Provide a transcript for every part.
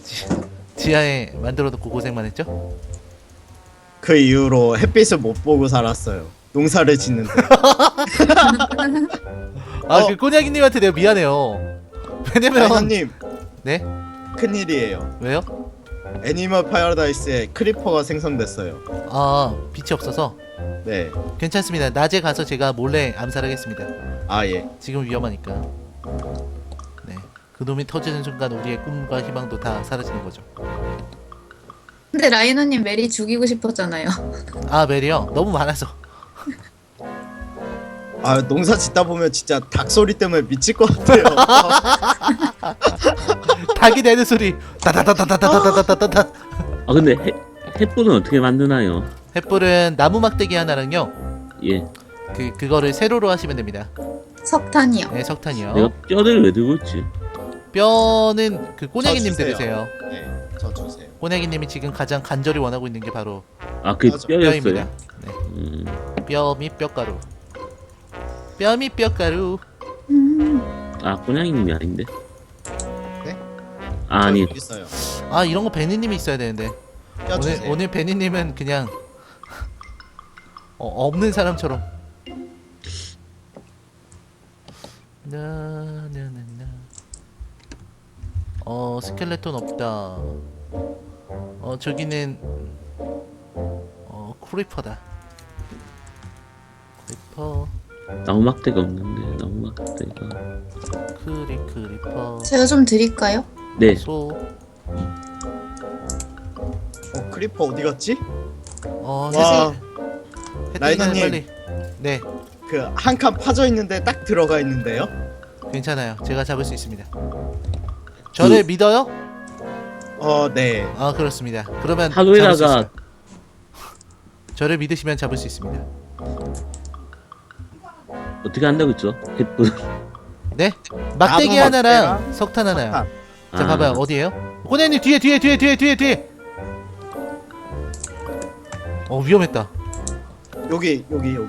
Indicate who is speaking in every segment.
Speaker 1: 지하에 만들어놓고 고생만 했죠?
Speaker 2: 그 이후로 햇빛을 못 보고 살았어요. 농사를 짓는데.
Speaker 1: 아, 그 꼬냑이님한테 내가 미안해요. 왜냐면
Speaker 2: 라이너님
Speaker 1: 네?
Speaker 2: 큰일이에요.
Speaker 1: 왜요?
Speaker 2: 애니멀 파라다이스에 크리퍼가 생성됐어요.
Speaker 1: 아, 빛이 없어서
Speaker 2: 네.
Speaker 1: 괜찮습니다. 낮에 가서 제가 몰래 암살하겠습니다.
Speaker 2: 아 예.
Speaker 1: 지금 위험하니까. 네, 그놈이 터지는 순간 우리의 꿈과 희망도 다 사라지는 거죠.
Speaker 3: 근데 라이너님 메리 죽이고 싶었잖아요.
Speaker 1: 아, 메리요? 너무 많아서.
Speaker 2: 아 농사 짓다 보면 진짜 닭 소리 때문에 미칠 것 같아요.
Speaker 1: 닭이 내는 소리 따다다다다다다다다다.
Speaker 4: 아 근데 햇불은 어떻게 만드나요?
Speaker 1: 햇불은 나무 막대기 하나랑요,
Speaker 4: 예.
Speaker 1: 그거를 세로로 하시면 됩니다.
Speaker 3: 석탄이요.
Speaker 1: 네, 석탄이요.
Speaker 4: 내가 뼈를 왜 들고 있지?
Speaker 1: 뼈는 그 꼬냑이님
Speaker 2: 저 주세요.
Speaker 1: 들으세요.
Speaker 2: 네. 저 주세요.
Speaker 1: 꼬냑이님이 지금 가장 간절히 원하고 있는 게 바로
Speaker 4: 아 그게
Speaker 2: 맞아.
Speaker 4: 뼈였어요?
Speaker 1: 뼈입니다. 네, 뼈 및 뼈가루. 뼈 및 뼈가루.
Speaker 4: 아 꼬냥이님이 아닌데?
Speaker 2: 네?
Speaker 4: 아, 아니
Speaker 2: 여기 있어요.
Speaker 1: 아, 이런 거 베니님이 있어야 되는데.
Speaker 2: 뼈 주세요.
Speaker 1: 오늘 베니님은 그냥 없는 사람처럼. 나나나나. 스켈레톤 없다. 저기는 크리퍼다. 크리퍼.
Speaker 4: 나무 막대가 없는데 나무 막대가.
Speaker 1: 크리퍼.
Speaker 3: 제가 좀 드릴까요?
Speaker 4: 네.
Speaker 1: 소.
Speaker 2: 크리퍼 어디 갔지?
Speaker 1: 와.
Speaker 2: 와.
Speaker 1: 혜택이는
Speaker 2: 라이너님.
Speaker 1: 빨리. 네,
Speaker 2: 그 한 칸 파져 있는데 딱 들어가 있는데요.
Speaker 1: 괜찮아요. 제가 잡을 수 있습니다. 저를 믿어요?
Speaker 2: 네.
Speaker 1: 아, 그렇습니다. 그러면 잡을 수
Speaker 4: 하루에다가
Speaker 1: 있어요. 저를 믿으시면 잡을 수 있습니다.
Speaker 4: 어떻게 한다고 했죠? 햇불.
Speaker 1: 네? 막대기
Speaker 2: 나무
Speaker 1: 하나랑
Speaker 2: 막대랑
Speaker 1: 석탄 하나요.
Speaker 2: 석탄.
Speaker 1: 자, 봐봐요. 어디에요? 꼬네님 뒤에. 위험했다.
Speaker 2: 여기.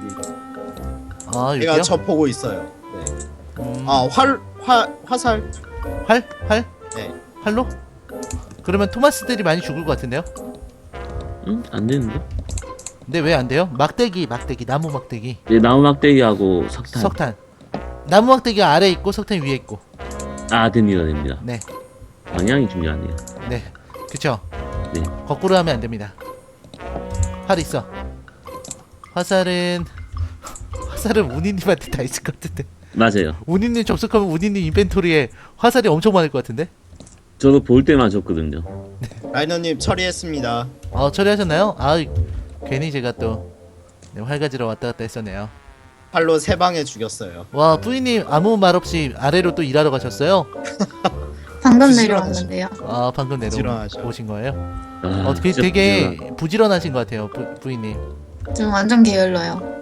Speaker 1: 아,
Speaker 2: 얘가
Speaker 1: 여기요?
Speaker 2: 저 보고 있어요. 네.
Speaker 1: 아,
Speaker 2: 화살.
Speaker 1: 활?
Speaker 2: 네.
Speaker 1: 활로? 그러면 토마스들이 많이 죽을 것 같은데요?
Speaker 4: 응? 안 되는데?
Speaker 1: 근데 왜 안 돼요? 막대기, 나무 막대기.
Speaker 4: 네, 나무 막대기하고 석탄.
Speaker 1: 석탄. 나무 막대기가 아래에 있고 석탄이 위에 있고.
Speaker 4: 아 됩니다.
Speaker 1: 네.
Speaker 4: 방향이 중요하네요.
Speaker 1: 네. 그쵸?
Speaker 4: 네.
Speaker 1: 거꾸로 하면 안 됩니다. 활 있어. 화살은 우니님한테 다 있을 것 같은데.
Speaker 4: 맞아요.
Speaker 1: 우니님 접속하면 우니님 인벤토리에 화살이 엄청 많을 것 같은데?
Speaker 4: 저도 볼 때만 줬거든요.
Speaker 2: 라이너님 처리했습니다.
Speaker 1: 처리하셨나요? 아, 괜히 제가 또 활 가지러 왔다 갔다 했었네요.
Speaker 2: 팔로 세 방에 죽였어요.
Speaker 1: 와, 뿌이님 아무 말 없이 아래로 또 일하러 가셨어요?
Speaker 3: 방금
Speaker 2: 부지런하죠.
Speaker 3: 내려왔는데요.
Speaker 1: 아, 방금
Speaker 2: 부지런하죠.
Speaker 1: 내려오신 거예요?
Speaker 4: 아, 진짜
Speaker 1: 되게 부지런하신 것 같아요, 부이님.
Speaker 3: 좀 완전 게을러요.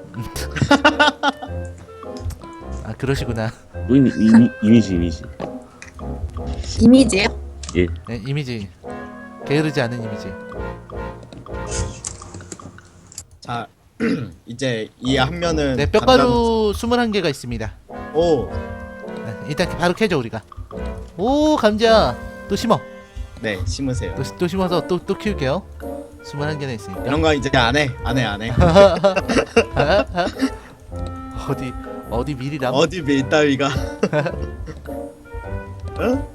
Speaker 1: 아, 그러시구나.
Speaker 4: 이미지.
Speaker 3: 이미지요?
Speaker 4: 예.
Speaker 1: 네, 이미지. 게으르지 않은 이미지.
Speaker 2: 자, 이제 이 한 면은
Speaker 1: 네, 뼈가루 21개가 있습니다.
Speaker 2: 오,
Speaker 1: 네, 일단 바로 캐죠, 우리가. 오, 감자. 또 심어.
Speaker 2: 네 심으세요.
Speaker 1: 또 심어서 또 키울게요. 21개나 있으니까.
Speaker 2: 이런 거 이제 안 해.
Speaker 1: 어디 미리 남.
Speaker 2: 어디 밀따위가. 어?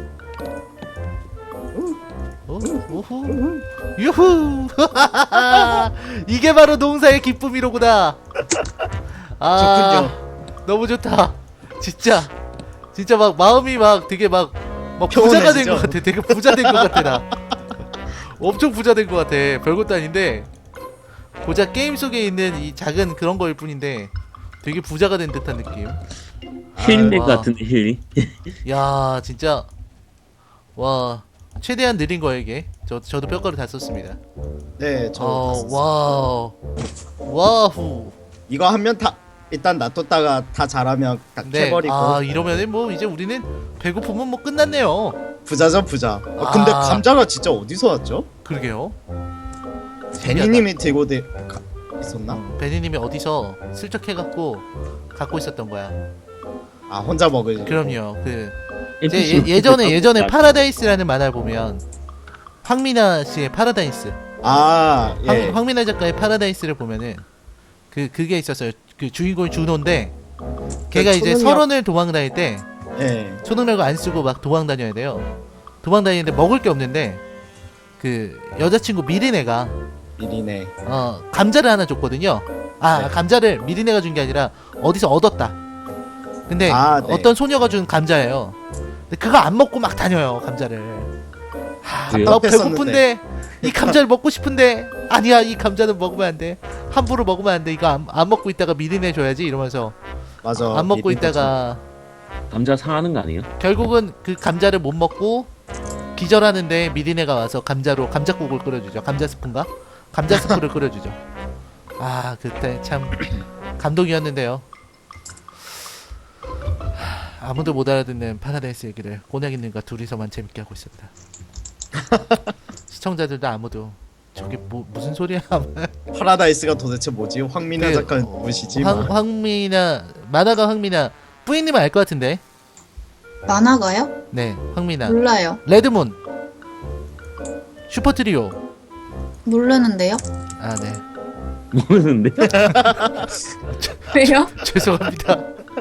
Speaker 1: 오후. 유후. 이게 바로 농사의 기쁨이로구나. 아, 너무 좋다. 진짜 막 마음이 막 되게 막 부자가 된
Speaker 2: 평온해지죠?
Speaker 1: 것 같아. 되게 부자 된 것 같아 나. 엄청 부자 된 것 같아. 별것도 아닌데 고작 게임 속에 있는 이 작은 그런 거일 뿐인데 되게 부자가 된 듯한 느낌.
Speaker 4: 힐링
Speaker 1: 와.
Speaker 4: 같은데 힐링.
Speaker 1: 야, 진짜 와, 최대한 느린 거예요 이게. 저도 뼈가루 다 썼습니다.
Speaker 2: 네, 저
Speaker 1: 와후.
Speaker 2: 이거 한 면 다 일단 놔뒀다가 다 자라면 다
Speaker 1: 네.
Speaker 2: 캐버리고.
Speaker 1: 아, 이러면은 뭐 이제 우리는 배고프면 뭐 끝났네요.
Speaker 2: 부자죠 부자. 근데
Speaker 1: 아.
Speaker 2: 감자가 진짜 어디서 왔죠?
Speaker 1: 그러게요.
Speaker 2: 베니님이 들고 있었나?
Speaker 1: 베니님이 어디서 슬쩍 해갖고 갖고 있었던 거야.
Speaker 2: 아 혼자 먹을.
Speaker 1: 그럼요. 예전에 파라다이스라는 만화를 보면 황미나 씨의 파라다이스,
Speaker 2: 아, 예.
Speaker 1: 황미나 작가의 파라다이스를 보면은 그게 있었어요. 그 주인공이 준호인데 걔가 이제
Speaker 2: 초능력-
Speaker 1: 설원을 도망 다닐 때
Speaker 2: 예.
Speaker 1: 초능력을 안 쓰고 막 도망 다녀야 돼요. 도망 다니는데 먹을 게 없는데 그 여자친구 미리네가
Speaker 2: 미리네.
Speaker 1: 감자를 하나 줬거든요.
Speaker 2: 네.
Speaker 1: 감자를 미리네가 준 게 아니라 어디서 얻었다. 근데
Speaker 2: 네.
Speaker 1: 어떤 소녀가 준 감자예요. 근데 그거 안 먹고 막 다녀요, 감자를.
Speaker 4: 왜요?
Speaker 1: 나
Speaker 2: 답답했었는데.
Speaker 1: 배고픈데 이 감자를 먹고 싶은데 아니야, 이 감자는 먹으면 안 돼. 함부로 먹으면 안 돼. 이거 안 먹고 있다가 미리네 줘야지 이러면서
Speaker 2: 맞아.
Speaker 1: 안 먹고
Speaker 2: 미리네
Speaker 1: 있다가
Speaker 4: 감자 상하는 거 아니에요?
Speaker 1: 결국은 그 감자를 못 먹고 기절하는데 미리네가 와서 감자로 감자국을 끓여주죠. 감자 스프인가? 감자 스프를 끓여주죠. 그때 참 감동이었는데요. 아무도 못 알아듣는 파라다이스 얘기를 꼬냑이님과 둘이서만 재밌게 하고 있었다. 시청자들도 아무도 저게 무슨 소리야?
Speaker 2: 파라다이스가 도대체 뭐지? 황미나
Speaker 1: 그,
Speaker 2: 작가는 누구시지?
Speaker 1: 황미나 만화가 황미나 뿌이님은 알 것 같은데.
Speaker 3: 만화가요?
Speaker 1: 네, 황미나.
Speaker 3: 몰라요.
Speaker 1: 레드문, 슈퍼트리오.
Speaker 3: 모르는데요?
Speaker 1: 네.
Speaker 4: 모르는데.
Speaker 3: 왜요?
Speaker 1: 죄송합니다.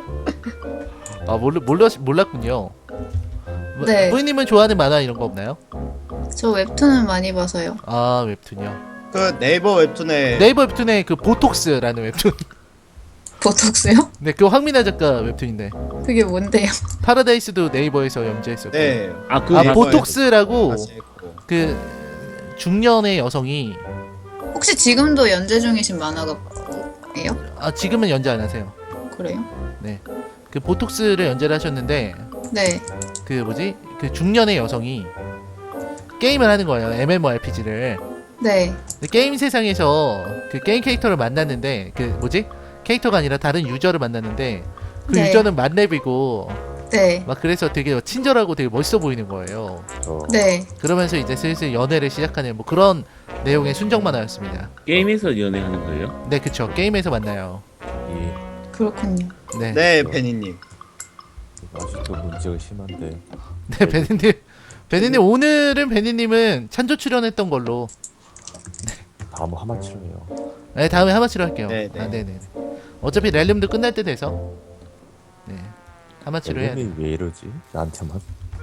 Speaker 1: 몰랐군요.
Speaker 3: 네.
Speaker 1: 뿌이님은 좋아하는 만화 이런 거 없나요?
Speaker 3: 저 웹툰을 많이 봐서요.
Speaker 1: 웹툰이요.
Speaker 2: 그 네이버 웹툰에
Speaker 1: 네이버 웹툰에 그 보톡스라는 웹툰.
Speaker 3: 보톡스요?
Speaker 1: 네, 그 황미나 작가 웹툰인데
Speaker 3: 그게 뭔데요?
Speaker 1: 파라다이스도 네이버에서 연재했었고.
Speaker 2: 네.
Speaker 4: 그
Speaker 1: 보톡스라고
Speaker 2: 다시 했고.
Speaker 1: 그 중년의 여성이
Speaker 3: 혹시 지금도 연재 중이신 만화가예요?
Speaker 1: 지금은 연재 안 하세요.
Speaker 3: 그래요?
Speaker 1: 그 보톡스를 연재를 하셨는데
Speaker 3: 네.
Speaker 1: 그 뭐지? 그 중년의 여성이 게임을 하는 거예요. MMORPG를.
Speaker 3: 네.
Speaker 1: 게임 세상에서 그 게임 캐릭터를 만났는데 그 뭐지? 캐릭터가 아니라 다른 유저를 만났는데 그
Speaker 3: 네.
Speaker 1: 유저는 만렙이고
Speaker 3: 네.
Speaker 1: 막 그래서 되게 친절하고 되게 멋있어 보이는 거예요.
Speaker 3: 네.
Speaker 1: 그러면서 이제 슬슬 연애를 시작하는 뭐 그런 내용의 순정 만화였습니다.
Speaker 4: 게임에서 연애하는 거예요?
Speaker 1: 네, 그쵸. 게임에서 만나요.
Speaker 3: 그렇군요.
Speaker 1: 네.
Speaker 2: 네, 베니님.
Speaker 5: 아직도 문제가 심한데.
Speaker 1: 네, 베니님 오늘은 베니님은 찬조 출연했던 걸로.
Speaker 5: 다음 하마치로요.
Speaker 1: 네, 다음에 하마치로 할게요.
Speaker 2: 네, 네.
Speaker 1: 네네. 어차피 렐름도 끝날 때 돼서. 네. 하마치로 해야 돼.
Speaker 5: 렐름이 왜 이러지? 나한테만.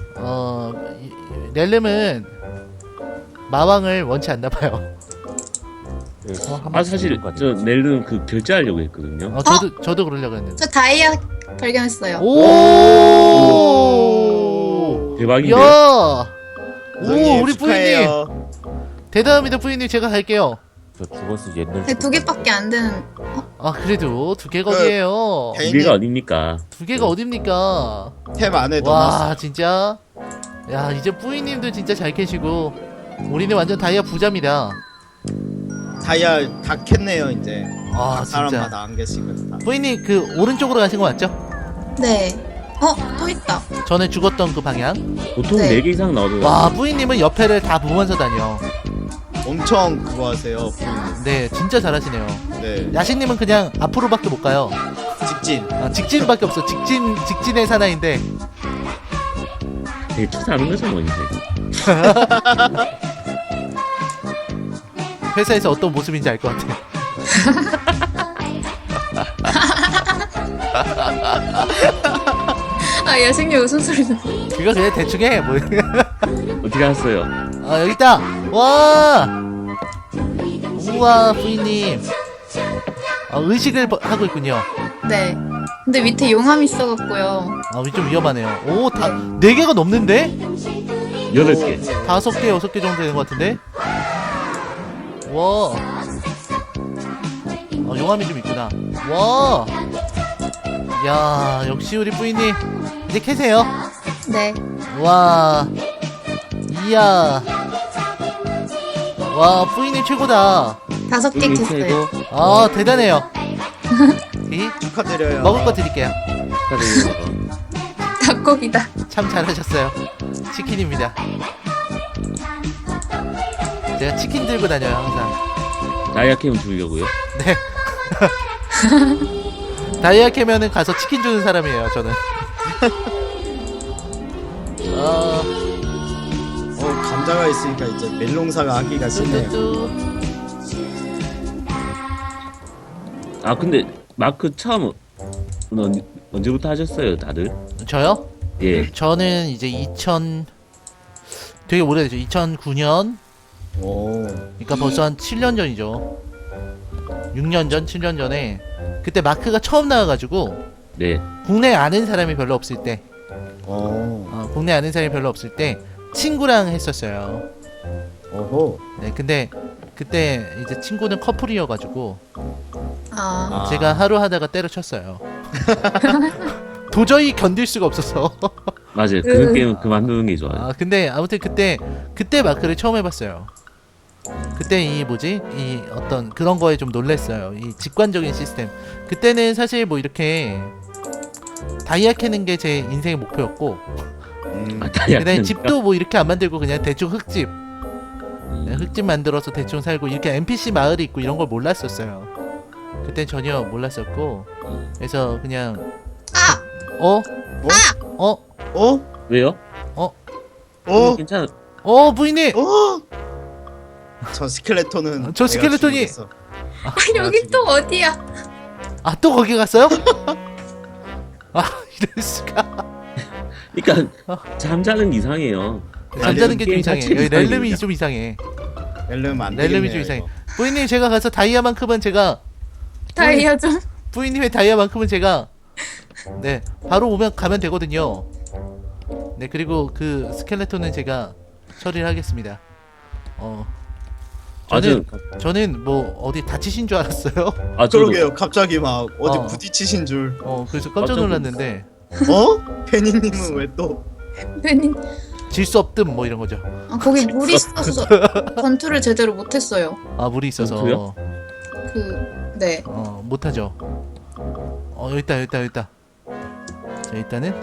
Speaker 1: 렐름은 마왕을 원치 않나 봐요.
Speaker 5: 그래서 하마치
Speaker 4: 사실 저 넬은 그 결제하려고 했거든요.
Speaker 1: 저도 그러려고 했는데.
Speaker 3: 저 다이아 발견했어요.
Speaker 1: 오!
Speaker 4: 대박인데요?
Speaker 1: 야! 오,
Speaker 2: 선생님,
Speaker 1: 우리 뿌이님.
Speaker 2: 축하해요.
Speaker 1: 대단합니다, 뿌이님. 제가 갈게요.
Speaker 5: 저 죽어서 옛날.
Speaker 3: 네, 2개밖에 안 되는.
Speaker 1: 그래도 2개가 어디에요?
Speaker 2: 베니-
Speaker 4: 우리가 어딥니까?
Speaker 1: 2개가 어딥니까?
Speaker 2: 탭 안에 넣어놨어.
Speaker 1: 와, 진짜. 야, 이제 뿌이님도 진짜 잘 캐시고 우리는 완전 다이아 부자입니다.
Speaker 2: 다이아 다 캤네요 이제.
Speaker 1: 아, 진짜.
Speaker 2: 사람마다 한 개씩은 다.
Speaker 1: 뿌이님 그 오른쪽으로 가신 거 맞죠?
Speaker 3: 네. 또 있다.
Speaker 1: 전에 죽었던 그 방향.
Speaker 4: 보통
Speaker 3: 네.
Speaker 4: 4개 이상 나오더라고요.
Speaker 1: 와, 뿌이님은 옆에를 다 보면서 다녀.
Speaker 2: 엄청 그거 하세요. 부인님.
Speaker 1: 네, 진짜 잘하시네요.
Speaker 2: 네.
Speaker 1: 야식님은 그냥 앞으로밖에 못 가요.
Speaker 2: 직진.
Speaker 1: 직진밖에 없어. 직진의 사나이인데.
Speaker 4: 되게 투자하는 거죠 뭐 이제.
Speaker 1: 회사에서 어떤 모습인지 알 것 같아.
Speaker 3: 야식님 웃음소리 나.
Speaker 1: 그거 그냥 대충 해. 뭐.
Speaker 4: 어떻게 하셨어요?
Speaker 1: 여기 있다. 와. 우와, 부인님. 의식을 하고 있군요.
Speaker 3: 네. 근데 밑에 용암 있어갖고요.
Speaker 1: 좀 위험하네요. 오, 4개가 넘는데?
Speaker 4: 8개.
Speaker 1: 5개, 6개 정도 되는 것 같은데? 와. 용암이 좀 있구나. 와. 야, 역시 우리 부인님. 이제 캐세요.
Speaker 3: 네.
Speaker 1: 와. 이야. 와, 부인님 최고다.
Speaker 3: 5개 캤어요.
Speaker 1: 대단해요.
Speaker 2: 축하드려요.
Speaker 1: 먹을 거 드릴게요.
Speaker 3: 닭고기다.
Speaker 1: 참 잘하셨어요. 치킨입니다. 제가 치킨 들고 다녀요, 항상.
Speaker 4: 다이아 캠 주려고요.
Speaker 1: 네. 다이아 캐면은 가서 치킨 주는 사람이에요, 저는.
Speaker 2: 감자가 있으니까 이제 멜농사가 하기가 쉽네요.
Speaker 1: 뚜뚜뚜.
Speaker 4: 아 근데 마크 처음 언제부터 하셨어요, 다들?
Speaker 1: 저요?
Speaker 4: 예.
Speaker 1: 저는 이제 되게 오래되죠. 2009년.
Speaker 2: 오.
Speaker 1: 그러니까 벌써 한 7년 전이죠. 6년 전, 7년 전에 그때 마크가 처음 나와가지고
Speaker 4: 네.
Speaker 1: 국내에 아는 사람이 별로 없을 때,
Speaker 2: 오.
Speaker 1: 국내 에 아는 사람이 별로 없을 때 친구랑 했었어요.
Speaker 2: 오호.
Speaker 1: 네, 근데 그때 이제 친구는 커플이어가지고
Speaker 3: 아,
Speaker 1: 제가 하루 하다가 때려쳤어요. 도저히 견딜 수가 없어서.
Speaker 4: 맞아요. 그 게임은 그만두는 게 좋아요.
Speaker 1: 근데 아무튼 그때 마크를 처음 해봤어요. 그때 이 어떤 그런 거에 좀 놀랬어요. 이 직관적인 시스템. 그때는 사실 뭐 이렇게 다이아 캐는 게 제 인생의 목표였고, 그다음에 집도 뭐 이렇게 안 만들고 그냥 대충 흙집, 흙집 만들어서 대충 살고 이렇게 NPC 마을이 있고 이런 걸 몰랐었어요. 그땐 전혀 몰랐었고, 그래서 그냥
Speaker 2: 어?
Speaker 4: 왜요?
Speaker 2: 어?
Speaker 4: 괜찮아.
Speaker 1: 부인님.
Speaker 2: 저 스켈레톤은
Speaker 1: 저
Speaker 2: 내가
Speaker 1: 스켈레톤이-
Speaker 2: 죽이겠어.
Speaker 3: 여기 또 어디야?
Speaker 1: 또 거기 갔어요? 이럴 수가.
Speaker 4: 그러니까 잠자는 게 이상해요.
Speaker 1: 잠자는 게 좀
Speaker 4: 게임
Speaker 1: 이상해.
Speaker 4: 자체가
Speaker 1: 여기 렐름이
Speaker 4: 이상해요.
Speaker 1: 좀 이상해.
Speaker 2: 렐름 안
Speaker 1: 렐름이
Speaker 2: 되겠네요.
Speaker 1: 좀 이상해.
Speaker 2: 이거.
Speaker 1: 부인님 제가 가서 다이아만큼은 제가
Speaker 3: 다이아 좀.
Speaker 1: 부인님의 다이아만큼은 제가 네 바로 가면 되거든요. 네 그리고 그 스켈레톤은 제가 처리를 하겠습니다. 저는 뭐 어디 다치신 줄 알았어요.
Speaker 4: 저도
Speaker 2: 그러게요. 갑자기 막 어디
Speaker 1: 어.
Speaker 2: 부딪히신 줄.
Speaker 1: 그래서 깜짝 놀랐는데
Speaker 2: 페니님은 왜 또?
Speaker 3: 괜히
Speaker 1: 질 수 없듬 뭐 이런 거죠.
Speaker 3: 거기 물이 있어서 전투를 제대로 못했어요.
Speaker 1: 물이 있어서
Speaker 4: 그래요?
Speaker 3: 네.
Speaker 1: 못하죠. 여기 있다. 자 일단은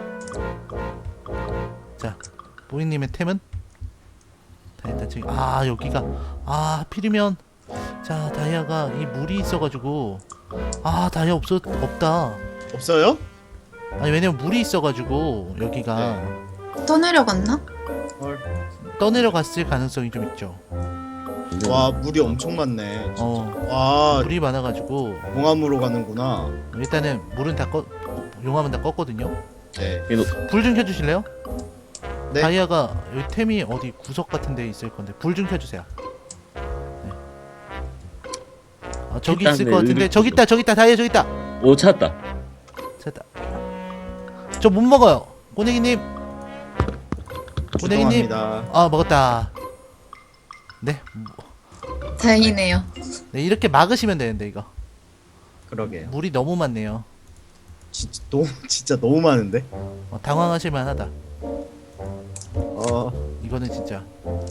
Speaker 1: 자 부인님의 템은 일단 지금 여기가 하필이면 자 다이아가 이 물이 있어가지고 다이아 없다.
Speaker 2: 없어요?
Speaker 1: 아니 왜냐면 물이 있어가지고 여기가
Speaker 3: 떠내려갔나?
Speaker 2: 헐.
Speaker 1: 떠내려갔을 가능성이 좀 있죠.
Speaker 2: 와 물이 엄청 많네. 와
Speaker 1: 물이 많아가지고
Speaker 2: 용암으로 가는구나.
Speaker 1: 일단은 물은 용암은 다 껐거든요.
Speaker 2: 네.
Speaker 1: 불 좀 켜주실래요?
Speaker 2: 네.
Speaker 1: 다이아가 여기 템이 어디 구석 같은 데 있을 건데 불 좀 켜주세요. 네. 저기
Speaker 4: 일단
Speaker 1: 있을
Speaker 4: 네,
Speaker 1: 것 같은데
Speaker 4: 의리-
Speaker 1: 저기 있다 다이아 저기 있다.
Speaker 4: 오 찾았다.
Speaker 1: 찾았다. 저 못 먹어요. 꼬내기님. 꼬내기님.
Speaker 2: 죄송합니다.
Speaker 1: 먹었다. 네.
Speaker 3: 다행이네요.
Speaker 1: 네 이렇게 막으시면 되는데 이거
Speaker 2: 그러게요.
Speaker 1: 물이 너무 많네요.
Speaker 2: 진짜 너무 많은데.
Speaker 1: 당황하실 만하다.
Speaker 2: 어.
Speaker 1: 이거는 진짜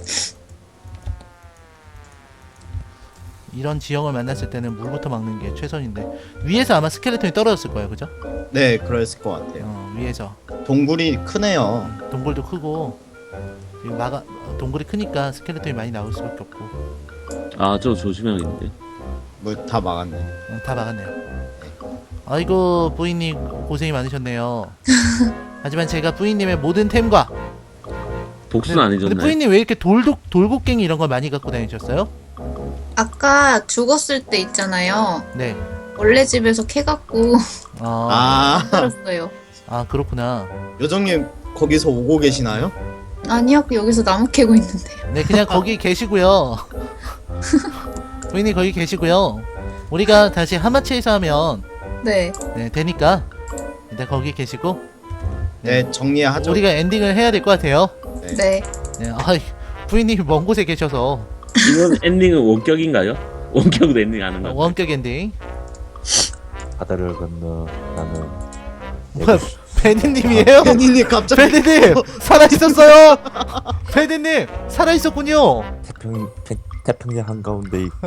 Speaker 1: 이런 지형을 만났을 때는 물부터 막는 게 최선인데 위에서 아마 스켈레톤이 떨어졌을 거예요, 그죠?
Speaker 2: 네, 그랬을 것 같아요.
Speaker 1: 위에서
Speaker 2: 동굴이 크네요.
Speaker 1: 동굴도 크고 지금 동굴이 크니까 스켈레톤이 많이 나올 수밖에 없고
Speaker 4: 저 조심해야겠는데.
Speaker 2: 물 다 막았네.
Speaker 1: 다 막았네요. 아이고 부인님 고생이 많으셨네요. 하지만 제가 부인님의 모든 템과
Speaker 4: 복수는 안
Speaker 1: 근데
Speaker 4: 해줬나요?
Speaker 1: 부인님 왜 이렇게 돌곡갱이 이런 걸 많이 갖고 다니셨어요?
Speaker 3: 아까 죽었을 때 있잖아요.
Speaker 1: 네.
Speaker 3: 원래 집에서 캐갖고
Speaker 2: 아,
Speaker 3: 살았어요.
Speaker 1: 그렇구나.
Speaker 2: 요정님 거기서 오고 계시나요?
Speaker 3: 아니요, 여기서 나무 캐고 있는데요.
Speaker 1: 네, 그냥 거기 계시고요. 부인님 거기 계시고요. 우리가 다시 하마치에서 하면
Speaker 3: 네.
Speaker 1: 되니까 일단 거기 계시고
Speaker 2: 네, 정리하죠.
Speaker 1: 우리가 엔딩을 해야 될 것 같아요.
Speaker 3: 네.
Speaker 1: 네, 부인님이 먼 곳에 계셔서
Speaker 4: 이번 엔딩은 원격인가요? 원격으로 엔딩 하는 거.
Speaker 1: 원격 엔딩.
Speaker 5: 바다를 건너 나는
Speaker 1: 뭐야, 베니님이에요?
Speaker 2: 페니님 갑자기
Speaker 1: 베니님 살아 있었어요. 베니님 살아 있었군요.
Speaker 5: 태평양 한가운데 있고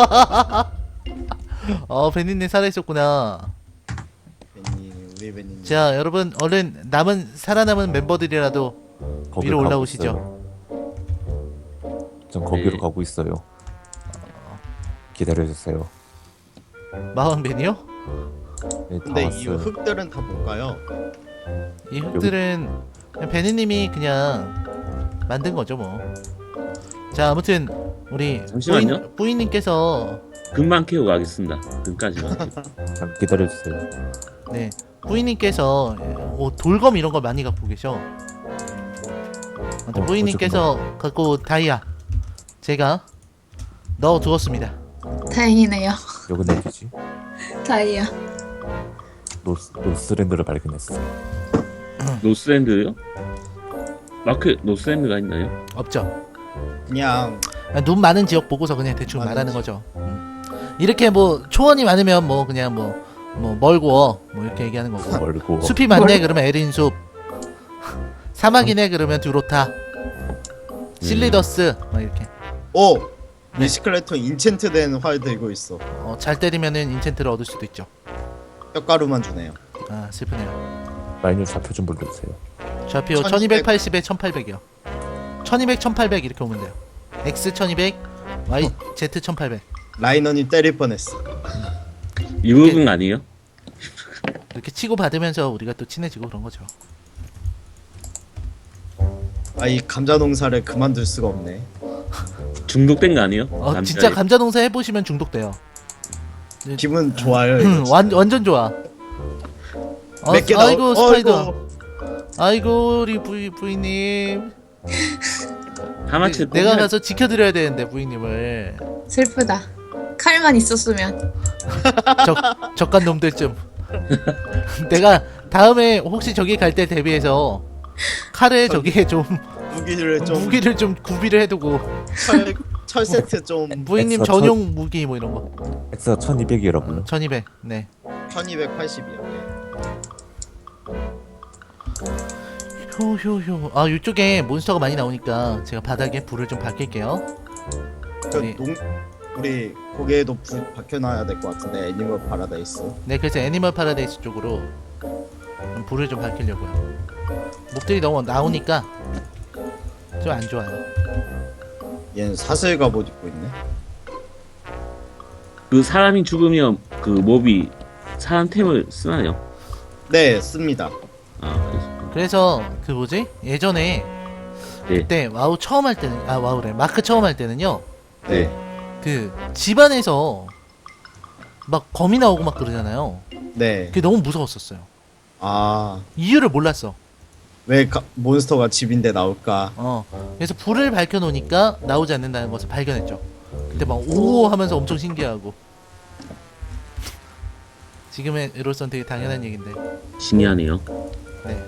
Speaker 1: 베니님 살아 있었구나.
Speaker 2: 우리 베니님.
Speaker 1: 자, 여러분 얼른 살아남은 멤버들이라도
Speaker 5: 거기로
Speaker 1: 위로
Speaker 5: 가고
Speaker 1: 올라오시죠.
Speaker 5: 있어요. 전 거기로
Speaker 4: 네.
Speaker 5: 가고 있어요. 기다려주세요.
Speaker 1: 마왕 베니요?
Speaker 5: 네, 다
Speaker 2: 근데 이
Speaker 5: 왔어요.
Speaker 2: 흙들은 다 뭘까요?
Speaker 1: 이 흙들은 그냥 베니님이 그냥 만든 거죠 뭐. 자 아무튼 우리
Speaker 4: 잠시만요.
Speaker 1: 뿌이님께서
Speaker 4: 금방 캐고 가겠습니다. 금까지만.
Speaker 5: 잠깐 기다려주세요.
Speaker 1: 네 뿌이님께서 돌검 이런 걸 많이 갖고 계셔. 아무튼 뿌이님께서 갖고 온 다이아 제가 넣어두었습니다.
Speaker 3: 다행이네요.
Speaker 5: 요거 내주지.
Speaker 3: 다이아.
Speaker 5: 노스랜드를 발견했어.
Speaker 4: 노스랜드요? 마크 노스랜드가 있나요?
Speaker 1: 없죠.
Speaker 2: 그냥
Speaker 1: 눈 많은 지역 보고서 그냥 대충
Speaker 2: 많은
Speaker 1: 말하는 거죠. 이렇게 뭐 초원이 많으면 뭐 그냥 뭐 멀고 뭐 이렇게 얘기하는 거고.
Speaker 5: 멀고.
Speaker 1: 숲이 많네 그러면 에린숲. 사막이네 그러면 듀로타. 실리더스 막 이렇게.
Speaker 2: 오!
Speaker 1: 네.
Speaker 2: 리시클레톤 인챈트된 활 들고 있어.
Speaker 1: 잘 때리면은 인챈트를 얻을 수도 있죠.
Speaker 2: 뼈가루만 주네요.
Speaker 1: 아 슬프네요.
Speaker 5: 마이너 좌표 좀 불러주세요.
Speaker 1: 좌표
Speaker 2: 1200.
Speaker 1: 1280에 1800이요. 1200, 1800 이렇게 오면 돼요. X 1200, Y, Z 1800.
Speaker 2: 라이너님 때릴 뻔했어.
Speaker 4: 이 부분 아니에요?
Speaker 1: 이렇게 치고 받으면서 우리가 또 친해지고 그런 거죠.
Speaker 2: 아, 이 감자 농사를 그만둘 수가 없네.
Speaker 4: 중독된 거 아니에요?
Speaker 1: 진짜 감자 농사 해보시면 중독돼요.
Speaker 2: 기분 좋아요. 이거 진짜.
Speaker 1: 완전 좋아.
Speaker 2: 몇 개
Speaker 1: 아이고 스파이더.
Speaker 2: 어이구.
Speaker 1: 아이고 우리 부이님.
Speaker 4: 하마치
Speaker 1: 내가 가서 지켜드려야 되는데 부이님을.
Speaker 3: 슬프다. 칼만 있었으면.
Speaker 1: 적간 놈들 좀. 내가 다음에 혹시 저기 갈 때 대비해서 칼에 저기에 좀
Speaker 2: 무기를 좀
Speaker 1: 구비를 해두고
Speaker 2: 철 세트 좀
Speaker 1: 부이님
Speaker 5: 엑스트라
Speaker 1: 전용 무기 뭐 이런 거.
Speaker 5: 엑스가 1200이라고요.
Speaker 1: 1200. 네.
Speaker 2: 1280이요.
Speaker 1: 효효효. 아 이쪽에 몬스터가 많이 나오니까 제가 바닥에 불을 좀 밝힐게요. 네.
Speaker 2: 우리 고개에도 불 박혀놔야 될 것 같은데 애니멀 파라다이스.
Speaker 1: 네, 그래서 애니멀 파라다이스 쪽으로 불을 좀 밝히려고요. 목들이 너무 나오니까 좀 안 좋아요.
Speaker 2: 얘는 사슬 갑옷 입고 있네.
Speaker 4: 그 사람이 죽으면 그 몹이 사람 템을 쓰나요?
Speaker 2: 네, 씁니다.
Speaker 4: 아 그래서
Speaker 1: 그래서 그 뭐지? 예전에
Speaker 4: 네.
Speaker 1: 그때 와우 처음 할 때는 와우래 마크 처음 할 때는요.
Speaker 2: 네.
Speaker 1: 그 집안에서 막 거미 나오고 막 그러잖아요.
Speaker 2: 네.
Speaker 1: 그게 너무 무서웠었어요.
Speaker 2: 아,
Speaker 1: 이유를 몰랐어.
Speaker 2: 왜 몬스터가 집인데 나올까?
Speaker 1: 그래서 불을 밝혀 놓으니까 나오지 않는다는 것을 발견했죠. 그때 막 오 하면서 엄청 신기하고. 지금의 으로선 되게 당연한 얘긴데.
Speaker 4: 신기하네요.
Speaker 1: 네.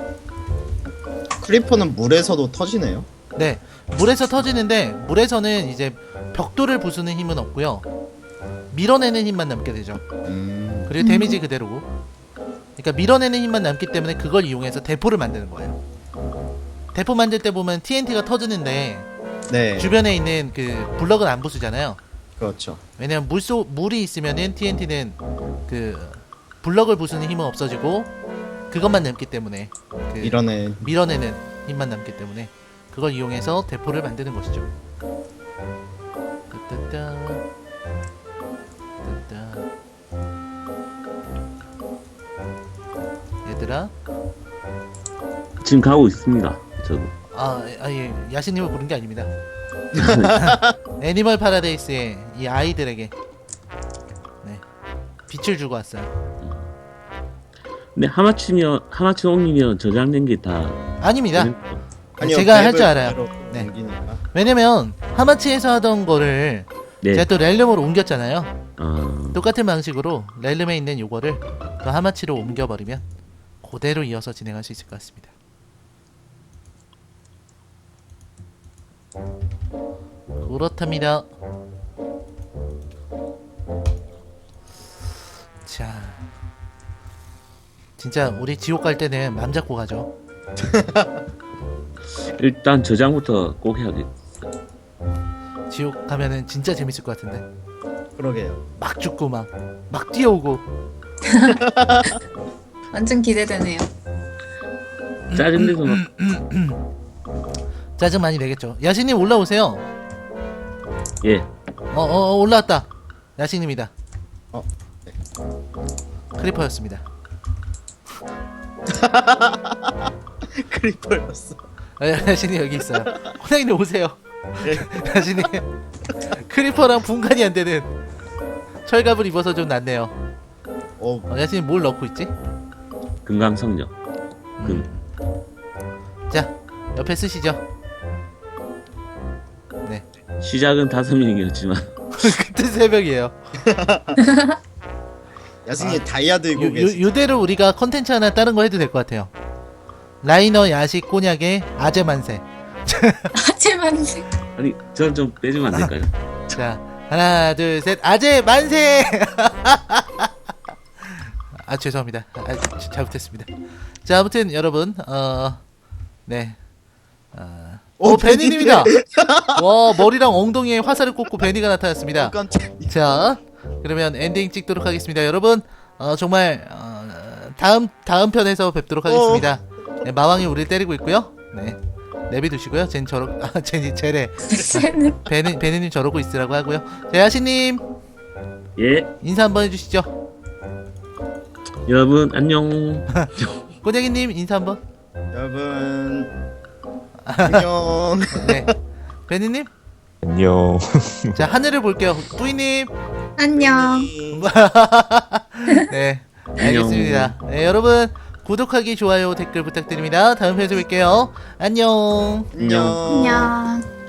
Speaker 2: 크리퍼는 물에서도 터지네요.
Speaker 1: 네. 물에서 터지는데 물에서는 이제 벽돌을 부수는 힘은 없고요. 밀어내는 힘만 남게 되죠. 그리고 데미지 그대로고. 그러니까 밀어내는 힘만 남기 때문에 그걸 이용해서 대포를 만드는 거예요. 대포 만들 때 보면 TNT가 터지는데
Speaker 2: 네.
Speaker 1: 주변에 있는 그 블럭은 안 부수잖아요.
Speaker 2: 그렇죠.
Speaker 1: 왜냐면 물이 있으면은 TNT는 그 블럭을 부수는 힘은 없어지고 그것만 남기 때문에 그
Speaker 2: 이러네.
Speaker 1: 밀어내는 힘만 남기 때문에 그걸 이용해서 대포를 만드는 것이죠. 따따따. 따따. 얘들아,
Speaker 4: 지금 가고 있습니다. 저도.
Speaker 1: 예, 야신님을 부른 게 아닙니다. 애니멀 파라데이스의 이 아이들에게 네, 빛을 주고 왔어요.
Speaker 4: 근데 하마치 옮기면 저장된 게 다
Speaker 1: 아닙니다.
Speaker 2: 아니요,
Speaker 1: 제가 할
Speaker 2: 맵을
Speaker 1: 줄 알아요.
Speaker 2: 그대로
Speaker 1: 네.
Speaker 2: 옮기니까.
Speaker 1: 왜냐면 하마치에서 하던 거를
Speaker 4: 네.
Speaker 1: 제가 또 렐름으로 옮겼잖아요.
Speaker 4: 아,
Speaker 1: 똑같은 방식으로 렐름에 있는 요거를 또 하마치로 옮겨버리면 그대로 이어서 진행할 수 있을 것 같습니다. 그렇답니다. 자, 진짜 우리 지옥 갈 때는 맘 잡고 가죠.
Speaker 4: 일단 저장부터 꼭 해야겠.
Speaker 1: 지옥 가면은 진짜 재밌을 것 같은데.
Speaker 2: 그러게요.
Speaker 1: 막 죽고 막 뛰어오고.
Speaker 3: 완전 기대되네요.
Speaker 4: 짜증내서 막
Speaker 1: 짜증 많이 내겠죠. 야신님 올라오세요.
Speaker 4: 예.
Speaker 1: 올라왔다. 야신님이다.
Speaker 2: 네.
Speaker 1: 크리퍼였습니다.
Speaker 2: 크리퍼였어.
Speaker 1: 야신이 여기 있어요. 호랑이님 오세요.
Speaker 2: 네.
Speaker 1: 야신이 크리퍼랑 분간이 안 되는 철갑을 입어서 좀 낫네요. 야신이 뭘 넣고 있지?
Speaker 4: 금강성녀. 금.
Speaker 1: 자, 옆에 쓰시죠. 네.
Speaker 4: 시작은 5명이었지만
Speaker 1: 그때 새벽이에요.
Speaker 2: 야승이 다이아 들고 계시.
Speaker 1: 요대로 우리가 컨텐츠 하나 다른 거 해도 될 것 같아요. 라이너 야식 꼬냑의 아재 만세.
Speaker 3: 하지만
Speaker 4: 아니 저는 좀 빼주면 안 될까요?
Speaker 1: 자, 하나, 둘, 셋, 아재 만세! 아, 죄송합니다. 잘못했습니다. 자, 아무튼 여러분, 네. 베니님이다! 와, 머리랑 엉덩이에 화살을 꽂고 베니가 나타났습니다.
Speaker 2: 깜짝.
Speaker 1: 자, 그러면 엔딩 찍도록 하겠습니다. 여러분, 정말, 다음 편에서 뵙도록 하겠습니다. 네, 마왕이 우리를 때리고 있고요. 네. 내비두시고요. 쟤래. 베니님 저러고 있으라고 하고요. 자, 야시님,
Speaker 4: 예.
Speaker 1: 인사 한번 해주시죠.
Speaker 4: 여러분 안녕.
Speaker 1: 꼬쟁이님, 인사 한번.
Speaker 2: 여러분 안녕.
Speaker 1: 네. 베니님,
Speaker 5: 안녕.
Speaker 1: 자, 하늘을 볼게요. 뿌이님,
Speaker 3: 안녕.
Speaker 1: 네. 알겠습니다. 네, 여러분, 구독하기, 좋아요, 댓글 부탁드립니다. 다음 편에서 뵐게요. 안녕.
Speaker 2: 안녕.
Speaker 3: 안녕.